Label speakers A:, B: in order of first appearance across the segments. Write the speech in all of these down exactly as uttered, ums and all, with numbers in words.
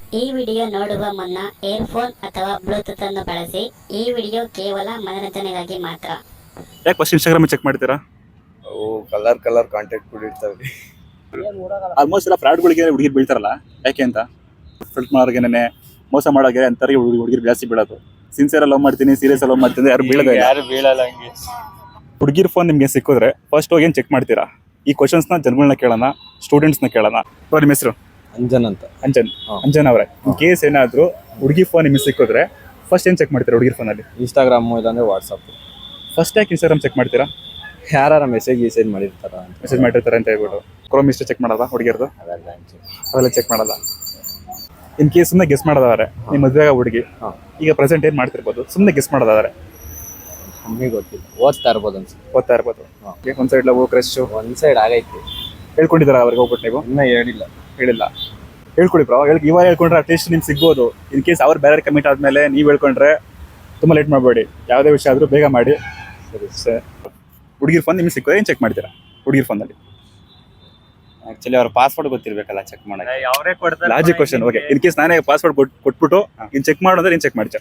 A: ಈ ವಿಡಿಯೋ ನೋಡುವ ಮುನ್ನ ಏರ್ಫೋನ್ ಅಥವಾ ಬ್ಲೂಟೂತ್ ಅನ್ನು ಬಳಸಿ. ಈ ವಿಡಿಯೋ ಕೇವಲ ಮನರಂಜನೆಗಾಗಿ ಮಾತ್ರ.
B: ಯಾಕೆ ಫಸ್ಟ್ ಇನ್ಸ್ಟಾಗ್ರಾಮ್ ಚೆಕ್ ಮಾಡ್ತೀರಾ?
C: ಅವು ಕಲರ್ ಕಲರ್ ಕಾಂಟ್ಯಾಕ್ಟ್ ಬಿಟ್ಟಿರ್ತಾವೆ.
B: ಆಲ್ಮೋಸ್ಟ್ ಎಲ್ಲ ಫ್ರಾಡ್ಗಳಿಗೆ ಹುಡುಗಿರು ಬೀಳ್ತಾರಲ್ಲ, ಯಾಕೆ ಅಂತ ಫ್ಲಡ್ ಮಾಡೋರ್ಗೆನೆ ಮೋಸ ಮಾಡೋಗೆ ಅಂತಾರೆ ಹುಡುಗಿರು ಜಾಸ್ತಿ ಬೀಳೋದು. ಸಿನ್ಸಿಯರ್ ಲವ್ ಮಾಡ್ತೀನಿ, ಸೀರಿಯಸ್ ಲವ್ ಮಾಡ್ತೀನಿ, ಯಾರು ಬೀಳೋದೇ ಇಲ್ಲ.
C: ಯಾರು ಬೀಳಲ್ಲ ಹಂಗೆ.
B: ಹುಡುಗಿರ್ ಫೋನ್ ನಿಮ್ಗೆ ಸಿಕ್ಕಿದ್ರೆ ಫಸ್ಟ್ ಹೋಗಿ ಏನು ಚೆಕ್ ಮಾಡ್ತೀರಾ? ಈ ಕ್ವಶನ್ಸ್ನ ಜನಗಳನ್ನ ಕೇಳೋಣ, ಸ್ಟೂಡೆಂಟ್ಸ್ನ ಕೇಳೋಣ. ನಿಮ್ಮ ಹೆಸರು?
C: ಅಂಜನ್ ಅಂತ.
B: ಅಂಜನ್. ಅಂಜನ್ ಅವರೇ, ಇನ್ ಕೇಸ್ ಏನಾದ್ರು ಹುಡುಗಿ ಫೋನ್ ನಿಮಗೆ ಸಿಕ್ಕಿದ್ರೆ ಫಸ್ಟ್ ಏನು ಚೆಕ್ ಮಾಡ್ತೀರಾ ಹುಡುಗಿರ್ ಫೋನಲ್ಲಿ?
C: ಇನ್ಸ್ಟಾಗ್ರಾಮು ಇಲ್ಲಾಂದ್ರೆ ವಾಟ್ಸಪ್.
B: ಫಸ್ಟ್ ಯಾಕೆ ಇನ್ಸ್ಟಾಗ್ರಾಮ್ ಚೆಕ್ ಮಾಡ್ತೀರಾ?
C: ಯಾರ ಮೆಸೇಜ್ ಗಿಸೇಜ್ ಮಾಡಿರ್ತಾರ ಅಂತ.
B: ಮೆಸೇಜ್ ಮಾಡಿರ್ತಾರೆ ಅಂತ ಹೇಳ್ಬಿಟ್ಟು ಕ್ರೋಮ್ ಹಿಸ್ಟ್ರಿ ಚೆಕ್ ಮಾಡೋದಾ ಹುಡುಗಿರ್ದು?
C: ಅದೆಲ್ಲ
B: ಅವೆಲ್ಲ ಚೆಕ್ ಮಾಡಲ್ಲ. ಇನ್ ಕೇಸ್ ಸುಮ್ಮನೆ ಗೆಸ್ ಮಾಡೋದಾದ್ರೆ, ನಿಮ್ಮ ಮದುವೆ ಹುಡುಗಿ ಈಗ ಪ್ರೆಸೆಂಟ್ ಏನು ಮಾಡ್ತಿರ್ಬೋದು, ಸುಮ್ಮನೆ ಗೆಸ್ ಮಾಡೋದಾದ್ರೆ?
C: ನಮಗೆ ಗೊತ್ತಿಲ್ಲ, ಓದ್ತಾ ಇರ್ಬೋದು ಅನ್ಸುತ್ತೆ.
B: ಓದ್ತಾ ಇರ್ಬೋದು. ಒಂದ್ ಸೈಡ್ ಲವ್ ಕ್ರಶ್
C: ಒಂದ್ ಸೈಡ್ ಆಗೈತಿ.
B: ಹೇಳ್ಕೊಂಡಿದ್ದಾರ ಅವ್ರಿಗೆ ಹೋಗ್ಬಿಟ್ಟು ನೀವು?
C: ಇನ್ನ ಹೇಳಿಲ್ಲ.
B: ಹೇಳಿಲ್ಲ. ಹೇಳ್ಕೊಡಿ ಬ್ರೋ. ಹೇಳಿ ಇವಾಗ ಹೇಳ್ಕೊಂಡ್ರೆ ಅಟ್ಲೀಸ್ಟ್ ನಿಮ್ಗೆ ಸಿಗ್ಬೋದು. ಇನ್ ಕೇಸ್ ಅವ್ರು ಬೇರೆ ಕಮಿಟ್ ಆದ್ಮೇಲೆ ನೀವು ಹೇಳ್ಕೊಂಡ್ರೆ ತುಂಬ ಲೇಟ್ ಮಾಡಬೇಡಿ. ಯಾವುದೇ ವಿಷಯ ಆದರೂ ಬೇಗ ಮಾಡಿ. ಸರಿ ಸರ್. ಹುಡುಗಿರ್ ಫೋನ್ ನಿಮ್ಗೆ ಸಿಕ್ಕೋದ್ರೆ ಏನು ಚೆಕ್ ಮಾಡ್ತೀರಾ ಹುಡುಗಿರ್ ಫೋನಲ್ಲಿ?
D: ಆಕ್ಚುಲಿ ಅವ್ರ ಪಾಸ್ವರ್ಡ್ ಗೊತ್ತಿರ್ಬೇಕಲ್ಲ ಚೆಕ್ ಮಾಡಕ್ಕೆ.
C: ಅವರೇ ಕೊಡ್ತಾರೆ.
B: Logic question. Okay, in case ನಾನೇ ಪಾಸ್ವರ್ಡ್ ಕೊಟ್ಬಿಟ್ಟು ಇನ್ ಚೆಕ್ ಮಾಡೋದ್ರೆ ಏನು ಚೆಕ್ ಮಾಡ್ತೀರಾ?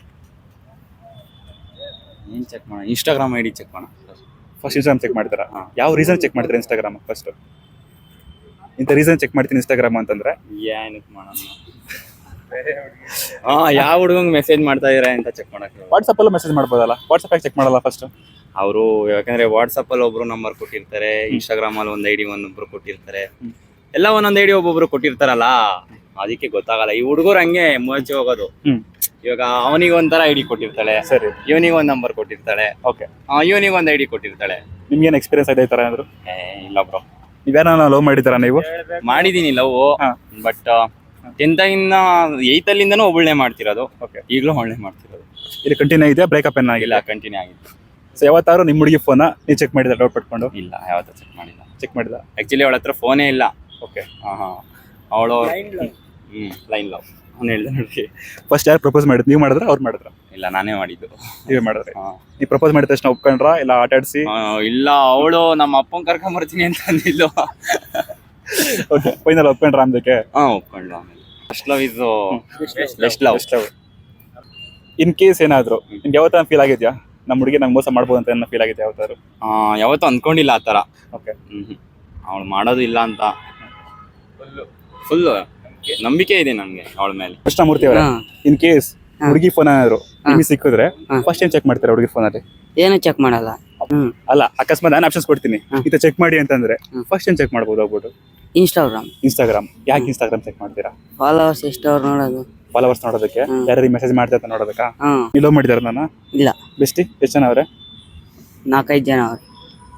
D: ಏನ್ ಚೆಕ್ ಮಾಡೋಣ? ಇನ್ಸ್ಟಾಗ್ರಾಮ್ ಐ ಡಿ ಚೆಕ್ ಮಾಡೋಣ.
B: ಫಸ್ಟ್ ಇನ್ಸ್ಟಾಗ್ರಾಮ್ ಚೆಕ್ ಮಾಡ್ತೀರಾ? ಯಾವ ರೀಸನ್ ಚೆಕ್ ಮಾಡ್ತೀರಾ ಇನ್ಸ್ಟಾಗ್ರಾಮ್ ಫಸ್ಟ್? ಇಂಥ ರೀಸನ್ ಚೆಕ್ ಮಾಡ್ತೀನಿ ಇನ್ಸ್ಟಾಗ್ರಾಮ್ ಅಂತಂದ್ರೆ
D: ಏನಕ್ಕೆ ಮಾಡೋಣ? ಹಾ, ಯಾವ ಹುಡುಗಂಗ್ ಮೆಸೇಜ್ ಮಾಡ್ತಾ ಇದಾರೆ ಅಂತ ಚೆಕ್ ಮಾಡಕ್ಕೆ.
B: ವಾಟ್ಸಪ್ ಅಲ್ಲೂ ಮೆಸೇಜ್ ಮಾಡ್ಬೋದಲ್ಲ, ವಾಟ್ಸಪ್ ಯಾಕೆ ಚೆಕ್ ಮಾಡಲ್ಲ ಫಸ್ಟ್?
D: ಅವರು ಯಾಕಂದ್ರೆ ವಾಟ್ಸಪ್ ಅಲ್ಲಿ ಒಬ್ರು ನಂಬರ್ ಕೊಟ್ಟಿರ್ತಾರೆ, ಇನ್ಸ್ಟಾಗ್ರಾಮ್ ಅಲ್ಲಿ ಒಂದ್ ಐಡಿ ಒಂದೊಬ್ರು ಕೊಟ್ಟಿರ್ತಾರೆ, ಎಲ್ಲ ಒಂದೊಂದ್ ಐಡಿ ಒಬ್ಬೊಬ್ರು ಕೊಟ್ಟಿರ್ತಾರಲ್ಲ, ಅದಕ್ಕೆ ಗೊತ್ತಾಗಲ್ಲ. ಈ ಹುಡುಗರು ಹಂಗೆ ಮುಚ್ಚಿ ಹೋಗೋದು. ಇವಾಗ ಅವನಿಗೆ ಒಂಥರ ಐಡಿ ಕೊಟ್ಟಿರ್ತಾಳೆ,
B: ಸರಿ,
D: ಇವನಿಗೆ ಒಂದ್ ನಂಬರ್ ಕೊಟ್ಟಿರ್ತಾಳೆ,
B: ಓಕೆ,
D: ಇವನಿಗೆ ಒಂದ್ ಐಡಿ ಕೊಟ್ಟಿರ್ತಾಳೆ.
B: ನಿಮ್ಗೇನು ಎಕ್ಸ್ಪೀರಿಯನ್ಸ್ ಆಗಿದೆ ಈ ಥರ ಅಂದ್ರು?
D: ಏ ಇಲ್ಲ ಬ್ರೋ,
B: ನೀವೇನ ಲವ್ ಮಾಡಿದ್ದೀರಾ ನೀವು?
D: ಮಾಡಿದೀನಿ ಲವ್, ಬಟ್ ಟೆಂತ್ ಇಂದ ಏಯ್ತ್ ಅಲ್ಲಿಂದನೂ ಒಬ್ಬಳನೆ ಮಾಡ್ತಿರೋದು.
B: ಓಕೆ,
D: ಈಗಲೂ ಒಳ್ಳೆ ಮಾಡ್ತಿರೋದು.
B: ಇಲ್ಲಿ ಕಂಟಿನ್ಯೂ ಇದೆ, ಬ್ರೇಕಪ್ ಏನಾಗಿಲ್ಲ?
D: ಇಲ್ಲ, ಕಂಟಿನ್ಯೂ ಆಗಿತ್ತು.
B: ಸೊ ಯಾವತ್ತಾರು ನಿಮ್ಮ ಹುಡುಗಿ ಫೋನ ನೀವು ಚೆಕ್ ಮಾಡಿದ್ರೆ ಡೌಟ್ ಪಟ್ಕೊಂಡು?
D: ಇಲ್ಲ, ಯಾವತ್ತೂ ಚೆಕ್ ಮಾಡಿಲ್ಲ.
B: ಚೆಕ್ ಮಾಡಿಲ್ಲ
D: ಆಕ್ಚುಲಿ ಅವಳ ಹತ್ರ ಫೋನೇ ಇಲ್ಲ.
B: ಓಕೆ,
D: ಹಾ ಹಾ ಅವಳು ಹ್ಮ್ ಲೈನ್ ಲವ್ ಅವ್ನು ಹೇಳ್ದೆ ನೋಡಿ.
B: ಫಸ್ಟ್ ಯಾರು ಪ್ರಪೋಸ್ ಮಾಡಿದ್ರು? ನೀವು ಮಾಡಿದ್ರ ಅವ್ರು ಮಾಡಿದ್ರ?
D: ಇಲ್ಲ, ನಾನೇ ಮಾಡಿದ್ದು.
B: ನೀವೇ ಮಾಡಿದ್ರಿ? ನೀವು ಪ್ರಪೋಸ್ ಮಾಡಿದ ತಕ್ಷಣ ಒಪ್ಕೊಂಡ್ರಾ ಇಲ್ಲ ಆಟ ಆಡಿಸಿ?
D: ಇಲ್ಲ, ಅವಳು ನಮ್ಮ ಅಪ್ಪನ ಕರ್ಕೊಂಡ್ ಬರ್ತೀನಿ ಅಂತ ಅಂದಿದ್ದು.
B: Okay, final ಒಪ್ಕೊಂಡ್ರಾ ಅಂದಕ್ಕೆ?
D: ಹಾ, ಒಪ್ಕೊಂಡ್ಲು. ಆಮೇಲೆ ಫಸ್ಟ್ ಲವ್ ಇದು ಬೆಸ್ಟ್ ಲವ್.
B: ಇನ್ ಕೇಸ್ ಏನಾದ್ರು ನಿಮ್ಗೆ ಯಾವತ್ತ ಫೀಲ್ ಆಗಿದ್ಯಾ ನಮ್ಮ ಹುಡುಗಿ ನಂಗೆ ಮೋಸ ಮಾಡ್ಬೋದು ಅಂತ ಏನೋ ಫೀಲ್ ಆಗಿದ್ಯಾ ಯಾವತ್ತಾರು?
D: ಯಾವತ್ತೂ ಅನ್ಕೊಂಡಿಲ್ಲ ಆ ಥರ.
B: ಓಕೆ,
D: ಹ್ಮ್ ಅವಳು ಮಾಡೋದು ಇಲ್ಲ ಅಂತ ಫುಲ್ ನಂಬಿಕೆ ಇದೆ ನನಗೆ ಅವಳ ಮೇಲೆ.
B: ಕೃಷ್ಣಮೂರ್ತಿ ಅವರೇ, ಇನ್ ಕೇಸ್ ಹುಡುಗಿ ಫೋನ್ ಏನಾದ್ರು ನಿಮಗೆ ಸಿಕ್ಕಿದ್ರೆ ಫಸ್ಟ್ ಏನ್ ಚೆಕ್ ಮಾಡ್ತೀರಾ ಹುಡುಗಿ ಫೋನಲ್ಲಿ?
E: ಏನು ಚೆಕ್ ಮಾಡಲ್ಲ.
B: ಅಲ್ಲ, ಅಕಸ್ಮಾತ್ ನಾನು ಆಪ್ಷನ್ಸ್ ಕೊಡ್ತೀನಿ, ಇದು ಚೆಕ್ ಮಾಡಿ ಅಂತಂದ್ರೆ ಫಸ್ಟ್ ಏನ್ ಚೆಕ್ ಮಾಡ್ಬೋದು ಹೋಗ್ಬಿಟ್ಟು?
E: ಇನ್ಸ್ಟಾಗ್ರಾಮ್.
B: ಇನ್ಸ್ಟಾಗ್ರಾಮ್. ಯಾಕೆ ಇನ್ಸ್ಟಾಗ್ರಾಮ್ ಚೆಕ್ ಮಾಡ್ತೀರಾ?
E: ಫಾಲೋವರ್ಸ್ ಎಷ್ಟು ಅವ್ರು ನೋಡೋದು.
B: ಫಾಲೋವರ್ಸ್ ನೋಡೋದಕ್ಕೆ? ಯಾರು ಮೆಸೇಜ್ ಮಾಡ್ತಾ ನೋಡೋದಕ್ಕ?
E: ಹ್ಮ್
B: ನೀವು ಲವ್ ಮಾಡಿದಾರ ನಾನು?
E: ಇಲ್ಲ.
B: ಬೆಸ್ಟಿ ಎಷ್ಟು ಜನ ಅವ್ರೆ?
E: ನಾಲ್ಕೈದು ಜನ ಅವ್ರು.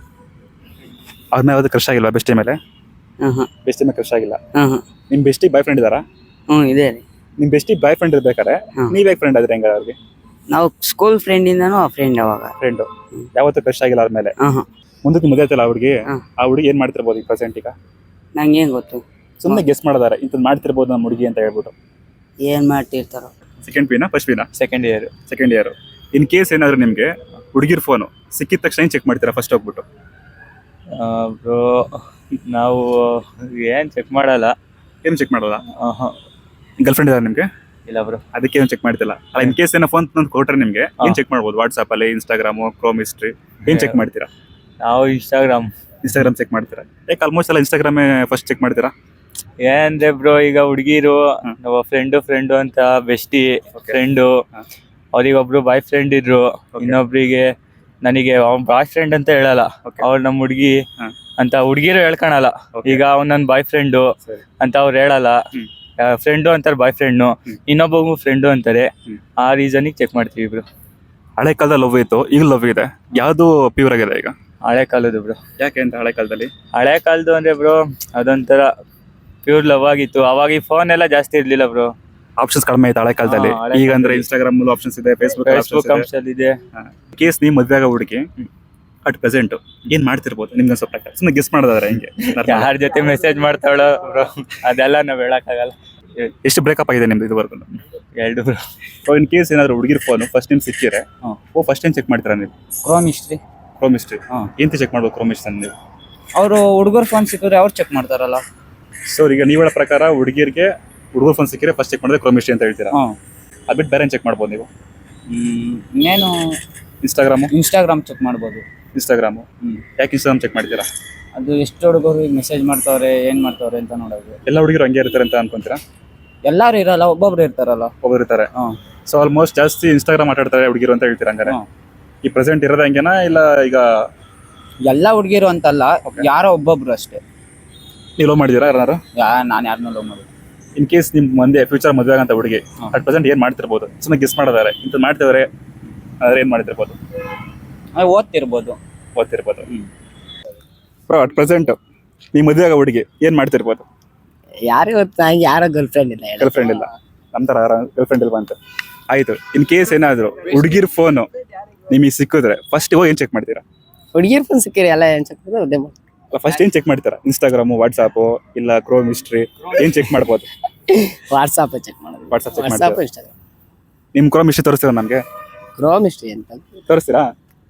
B: ಅವ್ರ ಮೇಲೆ ಯಾವ್ದು ಕ್ರಶ್ ಆಗಿಲ್ವಾ ಬೆಸ್ಟಿ ಮೇಲೆ?
E: ಹ್ಮ್ ಹ್ಮ್
B: ಬೆಸ್ಟಿ ಮೇಲೆ ಕ್ರಶ್ ಆಗಿಲ್ಲ.
E: ಹ್ಮ್ ಹ್ಮ್
B: ನಿಮ್ ಬೆಸ್ಟಿ ಬಾಯ್ ಫ್ರೆಂಡ್ ಇದಾರಾ?
E: ಹ್ಮ್ ಇದೆ ರೀ.
B: ನಿಮ್ ಬೆಸ್ಟಿ ಬಾಯ್ ಫ್ರೆಂಡ್ ಇರ್ಬೇಕಾದ್ರೆ ನೀವ್ ಯಾಕೆ ಫ್ರೆಂಡ್ ಆದ್ರೆ ಹೆಂಗ ಅವ್ರಿಗೆ?
E: ನಾವು ಸ್ಕೂಲ್ ಫ್ರೆಂಡ್ ಇಂದಾನು ಆ ಫ್ರೆಂಡ್ ಅವಾಗ.
B: ಫ್ರೆಂಡ್ ಯಾವತ್ತೂ ಕ್ರಶ್ ಆಗಿಲ್ಲ ಅವ್ರ ಮೇಲೆ?
E: ಹ್ಮ್ ಹ್ಮ್
B: ಮುಂದಕ್ಕೆ ಮದುವೆ ಆಯ್ತಲ್ಲ ಹುಡುಗಿ,
E: ಹ್ಮ್.
B: ಆ ಹುಡುಗಿ ಏನ್ ಮಾಡ್ತಿರ್ಬೋದು ಈಗ ಪ್ರೆಸೆಂಟ್? ಈಗ
E: ನಂಗೆ ಏನ್ ಗೊತ್ತು,
B: ಸುಮ್ಮನೆ ಗೆಸ್ ಮಾಡೋದಾರೆ ಇಂಥದ್ದು ಮಾಡ್ತಿರ್ಬೋದು ನಮ್ಮ ಹುಡುಗಿ ಅಂತ ಹೇಳ್ಬಿಟ್ಟು.
E: ಏನ್ ಮಾಡ್ತಿರ್ತಾರೋ.
B: ಸೆಕೆಂಡ್ ಪಿನಾ ಫಸ್ಟ್ ಪಿನಾ?
C: Second year.
B: Second year. In case ಏನಾದ್ರು ನಿಮ್ಗೆ ಹುಡುಗಿರ್ ಫೋನು ಸಿಕ್ಕಿದ ತಕ್ಷಣ ಏನ್ ಚೆಕ್ ಮಾಡ್ತೀರಾ ಫಸ್ಟ್ ಹೋಗ್ಬಿಟ್ಟು?
C: ಬ್ರೋ, ನಾವು ಏನ್ ಚೆಕ್ ಮಾಡಲ್ಲ.
B: ಏನು ಚೆಕ್ ಮಾಡೋಲ್ಲ?
C: ಆಹಾ.
B: ಗರ್ಲ್ ಫ್ರೆಂಡ್ ಇದಾರೆ ನಿಮ್ಗೆ?
C: ಇಲ್ಲ ಬ್ರೋ.
B: ಅದಕ್ಕೆ ಏನು ಚೆಕ್ ಮಾಡ್ತಿಲ್ಲ ಅಲ್ಲ. ಇನ್ ಕೇಸ್ ಏನೋ ಫೋನ್ ತಂದು ಕೊಟ್ರೆ ನಿಮ್ಗೆ ಏನ್ ಚೆಕ್ ಮಾಡ್ಬೋದು? ವಾಟ್ಸ್ಆಪ್ ಅಲ್ಲಿ, ಇನ್ಸ್ಟಾಗ್ರಾಮು, ಕ್ರೋಮ್ ಹಿಸ್ಟ್ರಿ ಏನ್ ಚೆಕ್ ಮಾಡ್ತೀರಾ?
C: ನಾವು ಇನ್ಸ್ಟಾಗ್ರಾಮ್.
B: ಇನ್ಸ್ಟಾಗ್ರಾಮ್ ಚೆಕ್ ಮಾಡ್ತೀರಾ? ಯಾಕೆ ಆಲ್ಮೋಸ್ಟ್ ಎಲ್ಲ ಇನ್ಸ್ಟಾಗ್ರಾಮೇ ಫಸ್ಟ್ ಚೆಕ್ ಮಾಡ್ತೀರಾ?
C: ಏನಂದ್ರೆ ಬ್ರೋ, ಈಗ ಹುಡುಗಿರು ನಮ್ಮ ಫ್ರೆಂಡು ಫ್ರೆಂಡು ಅಂತ ಬೆಸ್ಟಿ ಫ್ರೆಂಡು, ಅವ್ರಿಗೊಬ್ರು ಬಾಯ್ ಫ್ರೆಂಡ್ ಇದ್ರು, ಇನ್ನೊಬ್ರಿಗೆ ನನಗೆ ಅವ್ನ ಬಾಯ್ ಫ್ರೆಂಡ್ ಅಂತ ಹೇಳಲ್ಲ, ಅವ್ರು ನಮ್ಮ ಹುಡುಗಿ ಅಂತ ಹುಡುಗಿರು ಹೇಳ್ಕೊಳಲ್ಲ. ಈಗ ಅವ್ನು ನನ್ನ ಬಾಯ್ ಫ್ರೆಂಡು ಅಂತ ಅವ್ರು ಹೇಳಲ್ಲ, ಫ್ರೆಂಡು ಅಂತಾರೆ ಬಾಯ್ ಫ್ರೆಂಡು, ಇನ್ನೊಬ್ಬಗೂ ಫ್ರೆಂಡು ಅಂತಾರೆ. ಆ ರೀಸನಿಗೆ ಚೆಕ್ ಮಾಡ್ತೀವಿ ಬ್ರೋ.
B: ಹಳೆ ಕಾಲದಲ್ಲಿ ಲವ್ ಇತ್ತು, ಈಗ ಲವ್ ಇದೆ, ಯಾವುದು ಪ್ಯೂರ್ ಆಗಿದೆ ಈಗ?
C: ಹಳೆ ಕಾಲದ್ದು ಬ್ರೋ.
B: ಯಾಕೆ ಅಂತ? ಹಳೆ ಕಾಲದಲ್ಲಿ
C: ಹಳೆ ಕಾಲದ್ದು ಅಂದ್ರೆ ಬ್ರೋ ಅದೊಂಥರ ಪ್ಯೂರ್ ಲವ್ ಆಗಿತ್ತು. ಅವಾಗ ಈ ಫೋನ್ ಎಲ್ಲ ಜಾಸ್ತಿ ಇರ್ಲಿಲ್ಲ ಬ್ರೋ,
B: ಆಪ್ಷನ್ಸ್ ಕಡಿಮೆ ಆಯ್ತು ಹಳೆ ಕಾಲದಲ್ಲಿ. ಈಗ ಅಂದ್ರೆ ಇನ್ಸ್ಟಾಗ್ರಾಮ್ ಆಪ್ಷನ್ಸ್ ಇದೆ, ಫೇಸ್ಬುಕ್
C: ಫೇಸ್ಬುಕ್ ಆಪ್ಷನ್ ಇದೆ.
B: ಕೇಸ್ ನೀವು ಮದ್ವೆ ಆಗೋ ಹುಡುಗಿ ಅಟ್ ಪ್ರೆಸೆಂಟ್ ಏನ್ ಮಾಡ್ತಿರ್ಬೋದು ನಿಮ್ಗೆ ಸ್ವಲ್ಪ ಪ್ರಕಾರ? ಸುಮ್ಮನೆ ಗೆಸ್ ಮಾಡೋದಾದ್ರೆ ಹೆಂಗೆ?
C: ಯಾರ ಜೊತೆ ಮೆಸೇಜ್ ಮಾಡ್ತಾವಳ ಬ್ರೋ, ಅದೆಲ್ಲ ನಾವ್ ಹೇಳಕ್ಕಾಗಲ್ಲ.
B: ಎಷ್ಟು ಬ್ರೇಕಪ್ ಆಗಿದೆ ನಿಮ್ದು ಇದುವರೆಗೂ?
C: ಎರಡು ಬ್ರೋ.
B: ಸೊ ಇನ್ ಕೇಸ್ ಏನಾದ್ರು ಹುಡುಗಿರ್ ಫೋನ್ ಫಸ್ಟ್ ಟೈಮ್ ಸಿಕ್ಕಿದ್ರೆ ಓ ಫಸ್ಟ್ ಟೈಮ್ ಚೆಕ್ ಮಾಡ್ತೀರಾ ನೀವು?
E: Chrome history.
B: ಕ್ರೋಮ್ ಹಿಸ್ಟ್ರಿ ಎಂತ ಚೆಕ್ ಮಾಡ್ಬೋದು ಕ್ರೋಮ್ ಹಿಸ್ಟ್ರಿ ನೀವು?
E: ಅವರು ಹುಡುಗರು ಫೋನ್ ಸಿಕ್ಕಿದ್ರೆ ಅವ್ರು ಚೆಕ್ ಮಾಡ್ತಾರಲ್ಲ.
B: ಸೊ ಈಗ ನೀವು ಹೇಳೋ ಪ್ರಕಾರ ಹುಡುಗಿರಿಗೆ ಹುಡುಗರ ಫೋನ್ ಸಿಕ್ಕಿದ್ರೆ ಫಸ್ಟ್ ಚೆಕ್ ಮಾಡಿದ್ರೆ ಕ್ರೋಮ್ ಹಿಸ್ಟ್ರಿ ಅಂತ ಹೇಳ್ತೀರಾ?
C: ಹಾಂ.
B: ಅದು ಬಿಟ್ಟು ಬೇರೆ ಚೆಕ್ ಮಾಡ್ಬೋದು ನೀವು?
C: ಇನ್ನೇನು
B: ಇನ್ಸ್ಟಾಗ್ರಾಮು
C: ಇನ್ಸ್ಟಾಗ್ರಾಮ್ ಚೆಕ್ ಮಾಡ್ಬೋದು.
B: ಇನ್ಸ್ಟಾಗ್ರಾಮು
C: ಹ್ಮ್.
B: ಯಾಕೆ ಇನ್ಸ್ಟಾಗ್ರಾಮ್ ಚೆಕ್ ಮಾಡ್ತೀರಾ?
C: ಅದು ಎಷ್ಟು ಹುಡುಗರು ಮೆಸೇಜ್ ಮಾಡ್ತಾವ್ರೆ ಏನು ಮಾಡ್ತಾವ್ರೆ ಅಂತ ನೋಡೋದು.
B: ಎಲ್ಲ ಹುಡುಗರು ಹಂಗೆ ಇರ್ತಾರೆ ಅಂತ ಅನ್ಕೊಂತೀರಾ?
C: ಎಲ್ಲರೂ ಇರಲ್ಲ, ಒಬ್ಬೊಬ್ರು ಇರ್ತಾರಲ್ಲ.
B: ಒಬ್ಬರು ಇರ್ತಾರೆ.
C: ಹಾಂ.
B: ಸೊ ಆಲ್ಮೋಸ್ಟ್ ಜಾಸ್ತಿ ಇನ್ಸ್ಟಾಗ್ರಾಮ್ ಮಾತಾಡ್ತಾರೆ ಹುಡುಗಿರು ಅಂತ ಹೇಳ್ತೀರಾ ಹಂಗಾರೆ?
C: ಹಾಂ.
B: ಈ ಪ್ರೆಸೆಂಟ್ ಇರೋದು ಹಂಗೇನಾ ಇಲ್ಲ ಈಗ
C: ಎಲ್ಲ ಹುಡುಗಿರು ಅಂತಲ್ಲ,
B: Okay.
C: ಯಾರೋ ಒಬ್ಬೊಬ್ರು ಅಷ್ಟೇ.
B: ನೀವು ಲವ್ ಮಾಡಿದ್ದೀರಾ ಯಾರು?
C: ಯಾ ನಾನು ಯಾರನ್ನೂ ಲವ್ ಮಾಡೋದು.
B: ಇನ್ ಕೇಸ್ ನಿಮ್ ಮುಂದೆ ಫ್ಯೂಚರ್ ಮದುವೆ ಆಗಂತ ಹುಡುಗಿ
C: ಹಾಂ.
B: ಅಟ್ ಪ್ರೆಸೆಂಟ್ ಏನ್ ಮಾಡ್ತಿರ್ಬೋದು? ಸುಮ್ಮನೆ ಗೆಸ್ ಮಾಡಿದಾರೆ ಇಂತ ಮಾಡ್ತಿದಾರೆ ಆದ್ರೆ ಏನ್ ಮಾಡ್ತಿರ್ಬೋದು?
C: ಅದು ಓದ್ತಿರ್ಬೋದು.
B: ಓದ್ತಿರ್ಬೋದು.
C: ಹ್ಮ್.
B: ಬ್ರೋ ಅಟ್ ಪ್ರೆಸೆಂಟ್ ನೀವು ಮದುವೆ ಆಗೋ ಹುಡುಗಿ ಏನ್ ಮಾಡ್ತಿರ್ಬೋದು?
E: ಯಾರು ಗೊತ್ತಾ, ಯಾರೋ ಗರ್ಲ್ ಫ್ರೆಂಡ್ ಇಲ್ಲ.
B: ಗರ್ಲ್ ಫ್ರೆಂಡ್ ಇಲ್ಲ, ನಮ್ ತರ ಗರ್ಲ್ ಫ್ರೆಂಡ್ ಇಲ್ವಾ ಅಂತ. ಆಯ್ತು, ಇನ್ ಕೇಸ್ ಏನಾದ್ರು ಹುಡುಗಿರ್ ಫೋನು ನಿಮಗೆ ಸಿಕ್ಕಿದ್ರೆ ಫಸ್ಟ್ ಹೋಗಿ ಏನ್ ಚೆಕ್ ಮಾಡ್ತೀರಾ?
E: ಹುಡುಗಿರ್ ಫೋನ್ ಸಿಕ್ಕಿರಿ ಎಲ್ಲ ಏನ್ ಚೆಕ್ ಅದೇ
B: ಫಸ್ಟ್ ಏನ್ ಚೆಕ್ ಮಾಡ್ತೀರಾ? ಇನ್ಸ್ಟಾಗ್ರಾಮು, ವಾಟ್ಸಾಪ್ ಇಲ್ಲ ಕ್ರೋಮ್ ಹಿಸ್ಟ್ರಿ ಏನ್ ಚೆಕ್ ಮಾಡ್ಬೋದು?
E: ವಾಟ್ಸಾಪ್ ಚೆಕ್ ಮಾಡೋದು.
B: ವಾಟ್ಸಾಪ್ ಚೆಕ್
E: ವಾಟ್ಸಾಪ್
B: ಮಾಡ್ತೀರಾ?
E: ಇನ್ಸ್ಟಾಗ್ರಾಮ್.
B: ನಿಮ್ ಕ್ರೋಮ್ ಹಿಸ್ಟ್ರಿ ತೋರಿಸ್ತೀರಾ ನಮ್ಗೆ?
E: ಕ್ರೋಮ್ ಹಿಸ್ಟ್ರಿ ಅಂತ
B: ತೋರಿಸ್ತೀರಾ?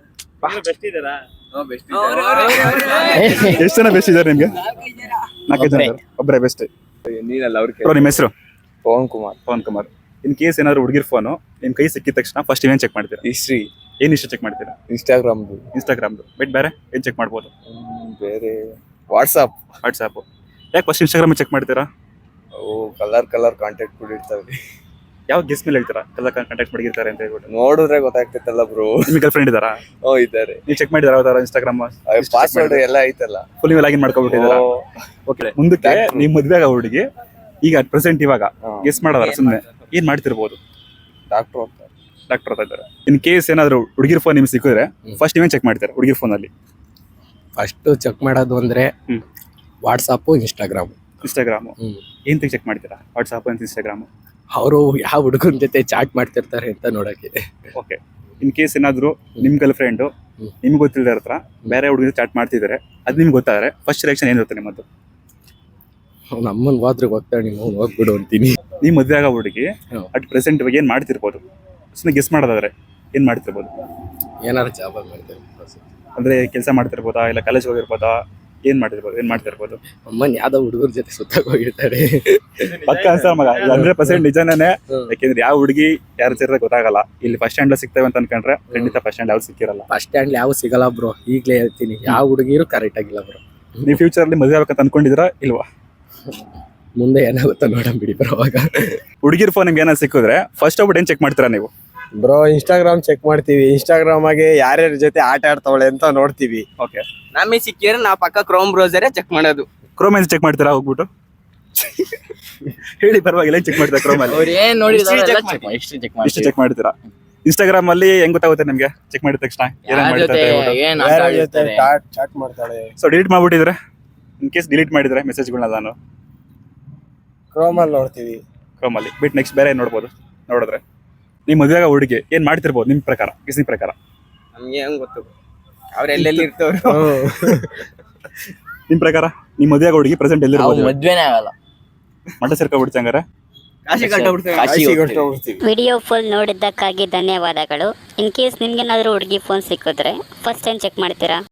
B: ಎಷ್ಟು ಜನ ಬೆಸ್ಟ್ ಇದಾರೆ ನಿಮ್ಗೆ? ನಾಲ್ಕೈದು ಜನ ಇದಾರೆ. ಒಬ್ಬರೇ ಬೆಸ್ಟ್. ಬ್ರೋ ನಿಮ್ಮ ಹೆಸರು?
F: ಪವನ್ ಕುಮಾರ್.
B: ಪವನ್ ಕುಮಾರ್. ಇನ್ ಕೇಸ್ ಏನಾದ್ರು ಹುಡುಗಿರ್ ಫೋನು ನಿಮ್ ಕೈ ಸಿಕ್ಕಿದ ತಕ್ಷಣ ಫಸ್ಟ್ ಏನ್ ಚೆಕ್ ಮಾಡ್ತೀರಾ?
F: ಹಿಸ್ಟ್ರಿ,
B: ಏನ್ ಇಷ್ಟ ಚೆಕ್ ಮಾಡ್ತೀರಾ?
F: ಇನ್ಸ್ಟಾಗ್ರಾಮ್ದು,
B: ಇನ್ಸ್ಟಾಗ್ರಾಮ್ದು ಬಿಟ್ ಬೇರೆ ಏನ್ ಚೆಕ್ ಮಾಡ್ಬೋದು?
F: ಬೇರೆ ವಾಟ್ಸಪ್.
B: ವಾಟ್ಸಾಪ್. ಯಾಕೆ ಫಸ್ಟ್ ಇನ್ಸ್ಟಾಗ್ರಾಮ್ ಚೆಕ್ ಮಾಡ್ತೀರಾ?
F: ಅವು ಕಲರ್ ಕಲರ್ ಕಾಂಟ್ಯಾಕ್ಟ್ ಬಿಟ್ಟಿರ್ತಾವೆ.
B: ಯಾವ ಗೆಸ್ ಮೇಲೆ ಹೇಳ್ತೀರಾ ಎಲ್ಲ ಕಾಂಟ್ಯಾಕ್ಟ್ ಮಾಡಿರ್ತಾರೆ ಅಂತ ಹೇಳ್ಬಿಟ್ಟು?
F: ನೋಡಿದ್ರೆ ಗೊತ್ತಾಗ್ತೈತಲ್ಲ ಬ್ರೋ.
B: ನಿಮ್ಗೆ ಗರ್ಲ್ ಫ್ರೆಂಡ್ ಇದಾರಾ?
F: ಓ ಇದ್ದಾರೆ.
B: ನೀವು ಚೆಕ್ ಮಾಡಿದಾರ ಯಾವ್ದಾರ ಇನ್ಸ್ಟಾಗ್ರಾಮ್?
F: ಪಾಸ್ವರ್ಡ್ ಎಲ್ಲ ಐತಲ್ಲ.
B: ಫುಲ್ ನೀವು ಲಾಗಿನ್ ಮಾಡ್ಕೊಬಿಟ್ಟಿದ್ದೀರಾ? ಓಕೆ. ಮುಂದಕ್ಕೆ ನಿಮ್ ಮದ್ವೆ ಆಗೋ ಹುಡುಗಿ ಈಗ ಅಟ್ ಪ್ರೆಸೆಂಟ್ ಇವಾಗ ಗೆಸ್ ಮಾಡೋದಾರ ಸುಮ್ಮನೆ ಏನ್ ಮಾಡ್ತಿರ್ಬೋದು?
F: ಡಾಕ್ಟರ್ ಅಂತ.
B: ಡಾಕ್ಟರ್ ಅಂತ ಇದ್ದಾರೆ. ಇನ್ ಕೇಸ್ ಏನಾದ್ರು ಹುಡುಗಿರ್ ಫೋನ್ ನಿಮ್ಗೆ ಸಿಕ್ಕಿದ್ರೆ ಫಸ್ಟ್ ನೀವೇನ್ ಚೆಕ್ ಮಾಡ್ತೀರಾ ಹುಡುಗಿರ್ ಫೋನ್ ಅಲ್ಲಿ?
G: ಫಸ್ಟ್ ಚೆಕ್ ಮಾಡೋದು ಅಂದ್ರೆ
B: ಹ್ಮ್.
G: WhatsApp, Instagram.
B: ಇನ್ಸ್ಟಾಗ್ರಾಮು
G: ಹ್ಮ್.
B: ಏನ್ ಚೆಕ್ ಮಾಡ್ತೀರಾ? ವಾಟ್ಸಾಪ್ ಅಂತ ಇನ್ಸ್ಟಾಗ್ರಾಮ್?
G: ಅವರು ಯಾವ ಹುಡುಗನ ಜೊತೆ ಚಾಟ್ ಮಾಡ್ತಿರ್ತಾರೆ ಅಂತ ನೋಡಕ್ಕೆ.
B: ಓಕೆ. ಇನ್ ಕೇಸ್ ಏನಾದ್ರು ನಿಮ್ ಗರ್ಲ್ ಫ್ರೆಂಡ್
G: ಹ್ಮ್.
B: ನಿಮ್ಗೆ ಗೊತ್ತಿಲ್ಲದ ಹತ್ರ ಬೇರೆ ಹುಡುಗಿ ಚಾಟ್ ಮಾಡ್ತಿದ್ದಾರೆ, ಅದ್ ನಿಮ್ಗೆ ಗೊತ್ತಾದ್ರೆ ಫಸ್ಟ್ ರಿಯಾಕ್ಷನ್ ಏನಿರುತ್ತೆ ನಿಮ್ಮದು?
G: ನಮ್ಮನ್ ಹೋದ್ರೆ ಗೊತ್ತಾ ನೀವು ಹೋಗ್ಬಿಡು ಅಂತೀನಿ.
B: ನೀವ್ ಮದ್ವೆ ಆಗೋ ಹುಡುಗಿ
G: ಹ್ಮ್.
B: ಅಟ್ ಪ್ರೆಸೆಂಟ್ ಇವಾಗ ಏನ್ ಮಾಡ್ತಿರ್ಬೋದು? ಸುಮ್ಮನೆ ಗೆಸ್ ಮಾಡೋದಾದ್ರೆ ಏನ್ ಮಾಡ್ತಿರ್ಬೋದು?
G: ಏನಾರು ಜಾಬ್ ಮಾಡ್ತಾರೆ.
B: ಅಂದ್ರೆ ಕೆಲಸ ಮಾಡ್ತಿರ್ಬೋದಾ ಇಲ್ಲ ಕಾಲೇಜ್ ಹೋಗಿರ್ಬೋದಾ? ಏನ್ ಮಾಡ್ತಿರ್ಬೋದು? ಏನ್ ಮಾಡ್ತಿರ್ಬೋದು?
G: ಅಮ್ಮನ್ ಯಾವ್ದೋ ಹುಡುಗರ ಜೊತೆ ಸುತ್ತಾಗ ಹೋಗಿರ್ತಾರೆ.
B: ಪಕ್ಕ ಅನ್ಸಲ್ಲ ಮಗ, ಹಂಡ್ರೆಡ್ ಪರ್ಸೆಂಟ್ ನಿಜನೇ.
G: ಹ್ಮ್.
B: ಯಾಕೆಂದ್ರೆ ಯಾವ ಹುಡುಗಿ ಯಾರು ಸೇರಿದ್ರೆ ಗೊತ್ತಾಗಲ್ಲ. ಇಲ್ಲಿ ಫಸ್ಟ್ ಹ್ಯಾಂಡ್ ಸಿಗ್ತೇವೆ ಅಂತ ಅನ್ಕೊಂಡ್ರೆ ಖಂಡಿತ ಫಸ್ಟ್ ಹ್ಯಾಂಡ್ ಯಾವ್ದು ಸಿಕ್ಕಿರಲ್ಲ.
G: ಬಸ್ ಸ್ಟ್ಯಾಂಡ್ ಯಾವ ಸಿಗಲ್ಲ ಬ್ರೋ, ಈಗ್ಲೇ ಹೇಳ್ತೀನಿ. ಯಾವ ಹುಡುಗಿರು ಕರೆಕ್ಟ್ ಆಗಿಲ್ಲ ಬ್ರೋ.
B: ನೀವು ಫ್ಯೂಚರ್ ಅಲ್ಲಿ ಮದುವೆ ಆಗ್ಬೇಕಂತ ಅನ್ಕೊಂಡಿದ್ದೀರಾ ಇಲ್ವಾ?
G: ಮುಂದೆ ಏನಾಗುತ್ತೋ ನೋಡಂ ಬಿಡಿ ಬ್ರೋ. ಅವಾಗ
B: ಹುಡುಗಿರ್ ಫೋನ್ ನಿಮ್ಗೆ ಏನಾದ್ರು ಸಿಕ್ಕಿದ್ರೆ ಫಸ್ಟ್ ಹೋಗ್ಬಿಟ್ಟು ಏನ್ ಚೆಕ್ ಮಾಡ್ತೀರಾ ನೀವು?
F: ಬ್ರೋ ಇನ್ಸ್ಟಾಗ್ರಾಮ್ ಚೆಕ್ ಮಾಡ್ತೀವಿ. ಇನ್ಸ್ಟಾಗ್ರಾಮ್ ಆಗಿ ಯಾರ್ಯಾರ ಜೊತೆ ಆಟ ಆಡ್ತಾವಳೆ ಅಂತ ನೋಡ್ತೀವಿ.
B: ಓಕೆ.
E: ನಮಗೆ ಸಿಕ್ಕಿದ್ರೆ ನಾವು ಪಕ್ಕ ಕ್ರೋಮ್ ಬ್ರೌಸರೇ ಚೆಕ್ ಮಾಡೋದು.
B: ಕ್ರೋಮ್ ಅಲ್ಲಿ ಚೆಕ್ ಮಾಡ್ತೀರಾ ಹೋಗ್ಬಿಟ್ಟು? ಹೇಳಿ ಪರವಾಗಿಲ್ಲ, ಚೆಕ್ ಮಾಡ್ತೀರಾ ಕ್ರೋಮ್ ಅಲ್ಲಿ?
E: ಅವ್ರು ಏನ್ ನೋಡಿದ್ರೆ
B: ಇಷ್ಟು ಚೆಕ್ ಮಾಡ್ತೀರಾ? ಇನ್ಸ್ಟಾಗ್ರಾಮ್ ಅಲ್ಲಿ ಹೆಂಗ್ ಗೊತ್ತಾಗುತ್ತೆ ನಿಮ್ಗೆ ಚೆಕ್ ಮಾಡಿದ ತಕ್ಷಣ ಏನೇನ್ ಮಾಡ್ತಾರೆ?
F: ಯಾರ್ಯಾರ ಜೊತೆ ಚಾಟ್ ಮಾಡ್ತಾಳೆ.
B: ಸೊ ಡಿಲೀಟ್ ಮಾಡ್ಬಿಟ್ಟಿದ್ರೆ ಇನ್ ಕೇಸ್ ಡಿಲೀಟ್ ಮಾಡಿದ್ರೆ ಮೆಸೇಜ್ಗಳನ್ನ ನಾನು
F: ಕ್ರೋಮ್ ಅಲ್ಲಿ ನೋಡ್ತೀವಿ.
B: ಕ್ರೋಮ್ ಅಲ್ಲಿ ಬಿಟ್ ನೆಕ್ಸ್ಟ್ ಬೇರೆ ಏನ್ ನೋಡ್ಬೋದು? ನೋಡಿದ್ರೆ ನಿಮ್ ಮದುವೆ ಆಗೋ ಹುಡುಗಿ ಏನ್ ಮಾಡ್ತಿರ್ಬೋದು ನಿಮ್ ಪ್ರಕಾರ, ಗೆಸ್ ನಿಮ್ ಪ್ರಕಾರ?
E: ನಮ್ಗೆ ಹೆಂಗ್ ಗೊತ್ತು ಅವ್ರ ಎಲ್ಲೆಲ್ಲಿ ಇರ್ತವ್ರು?
B: ನಿಮ್ ಪ್ರಕಾರ ನಿಮ್ ಮದುವೆ ಆಗೋ ಹುಡುಗಿ ಪ್ರೆಸೆಂಟ್ ಎಲ್ಲಿರ್ಬೋದು?
E: ಮದ್ವೆನೇ ಆಗಲ್ಲ,
B: ಮಠ ಸೇರ್ಕೊಬಿಡ್ತಿ ಹಂಗಾರೆ?
E: ಕಾಶಿ ಕಟ್ಟಬಿಡ್ತೇವೆ.
F: ಹೋಗ್ತೀವಿ.
A: ವಿಡಿಯೋ ಫುಲ್ ನೋಡಿದ್ದಕ್ಕಾಗಿ ಧನ್ಯವಾದಗಳು. ಇನ್ ಕೇಸ್ ನಿಮ್ಗೇನಾದ್ರೂ ಹುಡುಗಿ ಫೋನ್ ಸಿಕ್ಕಿದ್ರೆ ಫಸ್ಟ್ ಏನ್ ಚೆಕ್ ಮಾಡ್ತೀರಾ?